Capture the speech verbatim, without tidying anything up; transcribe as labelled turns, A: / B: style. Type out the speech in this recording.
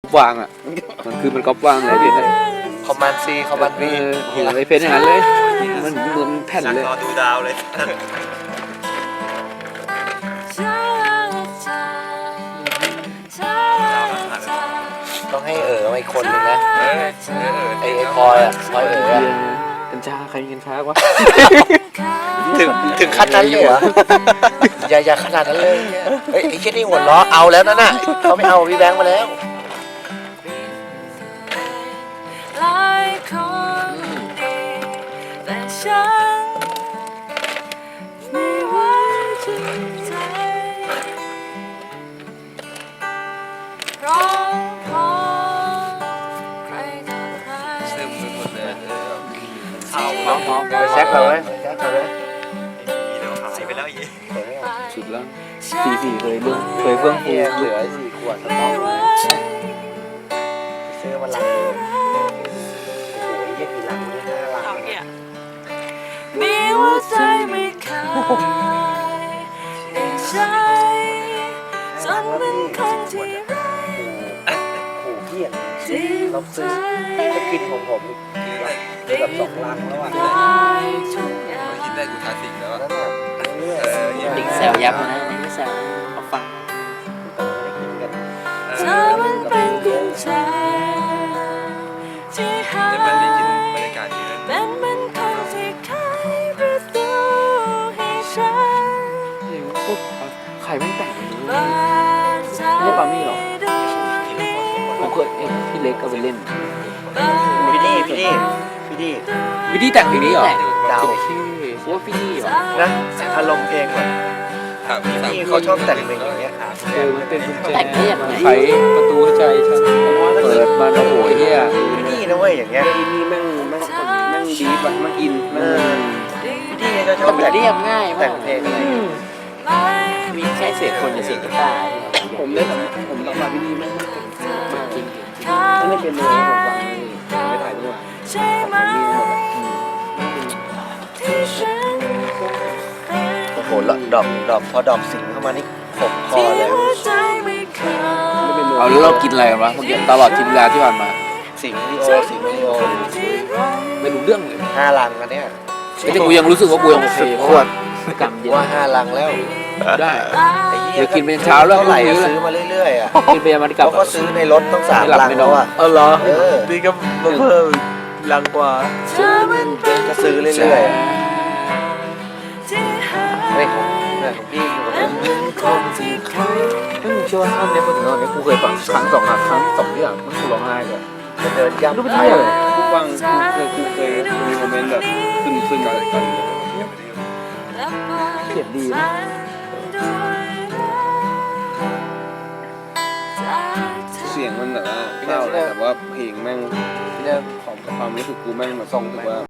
A: วางอ่ะมันคือมันก๊อปวางเลยเพชร
B: คอมมานด์ซีคอมมานด์
A: เอ
B: วี
A: อโหไอเพชรอย่างนั้นเลยมันเหมือนแผ่นเลย
C: รอดูดาวเลย
B: ต้องให้เอ๋อมาอีกคนนึงนะ
C: เออ
B: ไอไอพลอยอ่ะพลอยเอ๋ออะ
A: กัญชาใครมีกัญชาวะ
B: ถึงถึงขั้นนั้นเลยเหรออย่าอย่าขนาดนั้นเลยเนี่ยเฮ้ยไอ้แค่นี้หัวล้อเอาแล้วนั่นน่ะเขาไม่เอาพี่แบงค์มาแล้ว
D: หลายคนดีแต่ฉันไม่ไว้ใจเพราะพอใครต่อใคร
C: ซึมไปหมดเลย
A: เอา
B: น้องๆไปแซกเราไหมไปแซกเราไหม
C: มีเดี๋ยวหายไปแล้วอีก
A: สุดแล้วสี่สี่เคยเรื่องเคยเฟื่องฟู
B: เนี่ยเหลือสี่ขวดสต๊อกเลยซื้อมาลังเดียวโอ้ยยี่กี่ลังเนี่ยห้าลัง
D: เอาเนี่ยมีหัวใจไม่เคยได้ใช้จนเป็นคนที่ไร้
B: ขู่เพี้ยน
D: ที่
B: เราซื้อจะกินของผมอีกแบบสองลังแล้วอ่ะ
D: ได้ทุกอย่าง
C: คิดได้กูทาสิงแล้ว
B: นั่นน่ะเรื่อย
C: เออ
B: ๆ
A: ติ๊กแซวยับนะไม่แซวเอาฟัง
D: เธอมันเป็นกุญแจที่หา
C: เดี๋ยวมันได้กินบรรยากาศที่นั่น
D: เป็นเหมือนคนที่ไขประตูให้ฉัน
A: เฮ้ยพวกใครแม่งแต่งอย่างนี้
D: เปิดใจ
A: ไม่ใช่ปามี่หรอ
D: ดวงนี้
A: ผมเคยเห็นพี่เล็กเอาไปเล่น
B: พี่ดีพี่ดีพี่ดี
A: วิธีแต่งเพลงนี้เหรอ
B: ดาว
A: โอเคเพราะว่าพี่นี่เหรอ
B: นะอารมณ์เพลงแบบ
C: ถามพี่ถาม
B: นี่
C: พี่
B: เขาชอบแต่งเพลงอย่างเงี้ยครับ
A: เออมันเป็นกุญแจไขประตูใจฉันเปิดมาโอ้โหเฮีย
B: พี่ดีนะเว้ยอย่างเงี้ย
A: ไอ้นี่แม่งแม่งแม่งดีป่ะแม่งอิน
B: เอ
A: แม่ง
B: อพี่ดีเขาชอบแต่ง
A: เรียบง่าย
B: แต่
A: มาก
B: งเพลงอะไร
A: มีแค่เศษคนกับเศษกีตาร์ผมได้ผมต้องมาพี่นี่แม่งจริงถ้าไม่เป็นเลยผมฟังไม่ถ่ายด้วย
D: ใช่ไหมที่ฉันเป็น
B: โอ้โหดอกดอกพอดอกสิงเข้ามานี่ขบคอ
D: ที่
B: เลย
D: หัวใจไม่เคย
A: เอาแล้วเรากินอะไรกันวะเมื่อกี้ตลอดทีเวลาที่ผ่านมา
B: สิงลีโอสิงลีโอ
A: ไม่รู้เรื่องเลย
B: ห้าลังอันเนี้ย
A: แต่กูยังรู้สึกว่ากูยังโอเคเพราะว่ากำเย็น
B: ว่าห้าลังแล้ว
A: ได้
B: ไอ้เหี้
A: เดี๋ยวกินเป็นเช้าแล้ว
B: เท่าไหร่
A: พรุ่งนี้
B: ซื้อมาเรื่อยๆอ่ะ
A: กินไปมันกลับ
B: เขาก็ซื้อในรถต้องสาม
A: ไม่หลับ
B: ลัง
A: ไม่น
B: แล้
A: อ
B: วน อ่ะ
A: เออเหรอ
B: เออ
A: นี่ก็มาเพิ่มลังกว่า
D: เธอมันเป็น
B: ก็ซื้อเรื่อยๆอะ
D: ที่หา
B: เฮ้ยของเนี่ยของพี่อยู่กับ
D: เป็นเหมือนคนที่เคย
A: ไม่มึงเชื่อว่าท่อนนี้พอถึงตอนนี้กูเคยฟังครั้งสองครั้งครั้งที่สองที่อ่ะมันกูร้องไห้เลย
B: จะเดินย่ำ
A: รู้
B: ไป
A: เป็นไงเลยกูฟังกูเคยกูเคยมีโมเมนต์แบบซึ้งซึ้งอะไรกัน เสียงดีนะ เสียงมันแบบว่าเศร้าเลยแต่ว่าเพลงแม่ง
B: ที่เดิม
A: ของความรู้สึกกูแม่งมาส่งถึงว่า